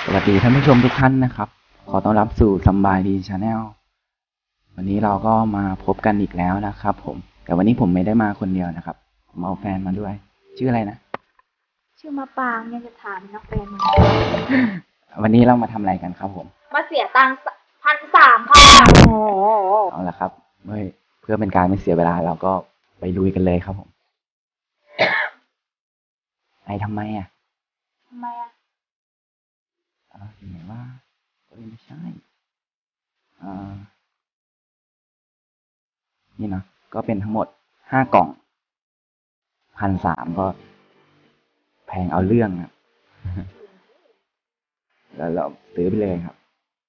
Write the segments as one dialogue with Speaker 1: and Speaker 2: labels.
Speaker 1: สวัสดีท่านผู้ชมทุกท่านนะครับ ขอต้อนรับสู่สำบายดีชาแนลวันนี้เราก็มาพบกันอีกแล้วนะครับผมแต่วันนี้ผมไม่ได้มาคนเดียวนะครับผมเอาแฟนมาด้วยชื่ออะไรนะ
Speaker 2: ชื่อมะปางเนี่ยจะถามนักแฟนมึง
Speaker 1: วันนี้เรามาทำอะไรกันครับผม
Speaker 2: มาเสียตังค์1,300 ค่ะ
Speaker 1: เอาละครับเพื่อเป็นการไม่เสียเวลาเราก็ไปลุยกันเลยครับผมทำไมอ่ะไหนว่าไม่ใช่นี่นะก็เป็นทั้งหมด5 กล่อง1,300ก็แพงเอาเรื่องครับแล้วเราซื้อไปเลยครับ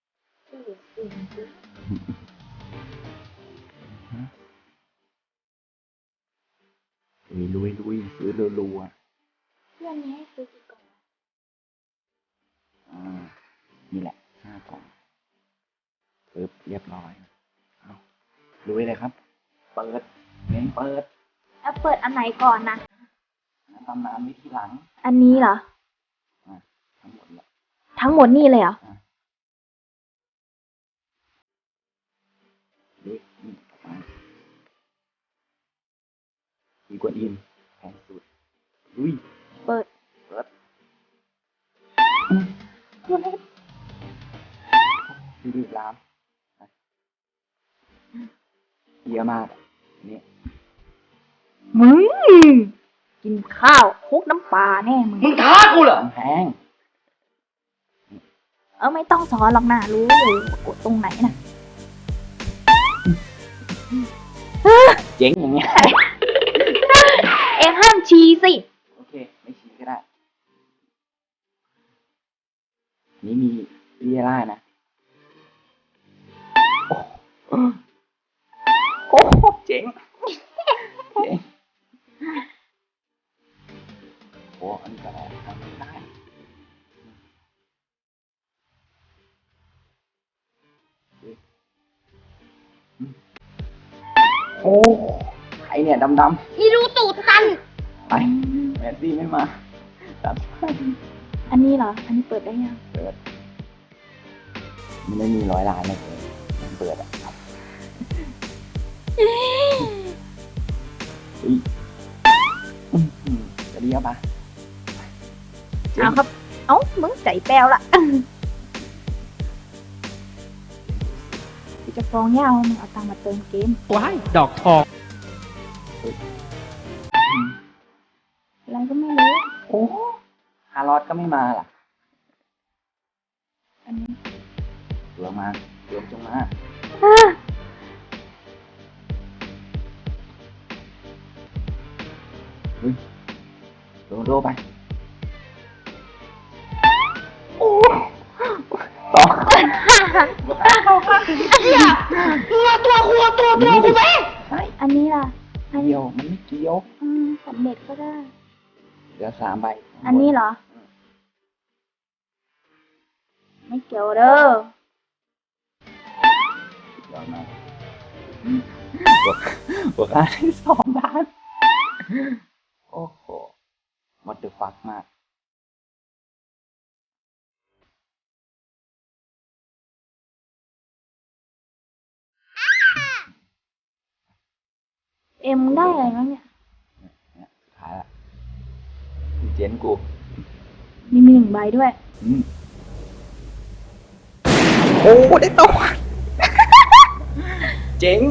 Speaker 1: ลุยซื้อรัว
Speaker 2: เพื่อนนี้ให้ซื้อกี่กล่อง
Speaker 1: นี่แหละ5 กล่องปึ๊บเรียบร้อยเอาลุยเลยครับเปิดเน้นเปิด
Speaker 2: แล้วเปิดอันไหนก่อนนะ
Speaker 1: ตำนานวิธีหลัง
Speaker 2: อันนี้เหรอ
Speaker 1: ทั้งหมดเลย
Speaker 2: ทั้งหมดนี่เลยเหรอ
Speaker 1: นี่อีกวนอินแพงสุดลุย
Speaker 2: เปิด
Speaker 1: รีบล้างเยอะมากนี่
Speaker 2: มึงกินข้าวคลุกน้ำปลาแน่
Speaker 1: มึงท้ากูเหรอแพง
Speaker 2: ไม่ต้องสอนหรอกนะรู้อยู่กดตรงไหนนะ
Speaker 1: เจ๊งอย่างเงี้ย
Speaker 2: เอ็งห้ามชี้สิ
Speaker 1: โอเคไม่ชี้ก็ได้นี่มีเรียร่านะโอ้เจ๋งโอ้อันนี้ก็ได้ทำไม่ได้โอ้ใครเนี่ยดำ
Speaker 2: อีรูตูดตัน
Speaker 1: ไปแมสซี่ไม่มาตัด
Speaker 2: อันนี้เหรออันนี้เปิดได้ยัง
Speaker 1: เปิดมันไม่มี100 ล้านเลยมันเปิดอ่ะครับจะดีปะ
Speaker 2: เอาครับมึงใจแปลวละจะฟ้องย่าว่ามึงเอาตังค์มาเติมเกม
Speaker 3: ว้ายดอกทอง
Speaker 2: อะไรก็ไม่รู้
Speaker 1: โอ้5 รอดก็ไม่มาล่ะ
Speaker 2: อันนี้
Speaker 1: เดี๋ยวมาเดี๋ยวจงมาโดไปโอ้ต่อ
Speaker 2: ตัวกูไหมอันนี้ล่ะ
Speaker 1: เกี่ยวมันไม่เกี่ยว
Speaker 2: สำเร็จก็ได้
Speaker 1: เหลือ3 ใบ
Speaker 2: อันนี้เหรอไม่เกี่ยวเด้
Speaker 1: อมาบวกค่าที่2 ล้านโอ้โหwhat the fuck มาก
Speaker 2: เอ็มได้อะไรบ้างเนี่ย
Speaker 1: สุดท้ายละเจนกู
Speaker 2: มี1 ใบด้วย
Speaker 1: โอ้ได้ตัวเจ๋ง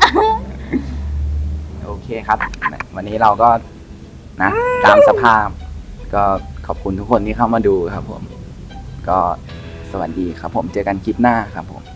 Speaker 1: โอเคครับวันนี้เราก็นะตามสภาพก็ขอบคุณทุกคนที่เข้ามาดูครับผมก็สวัสดีครับผมเจอกันคลิปหน้าครับผม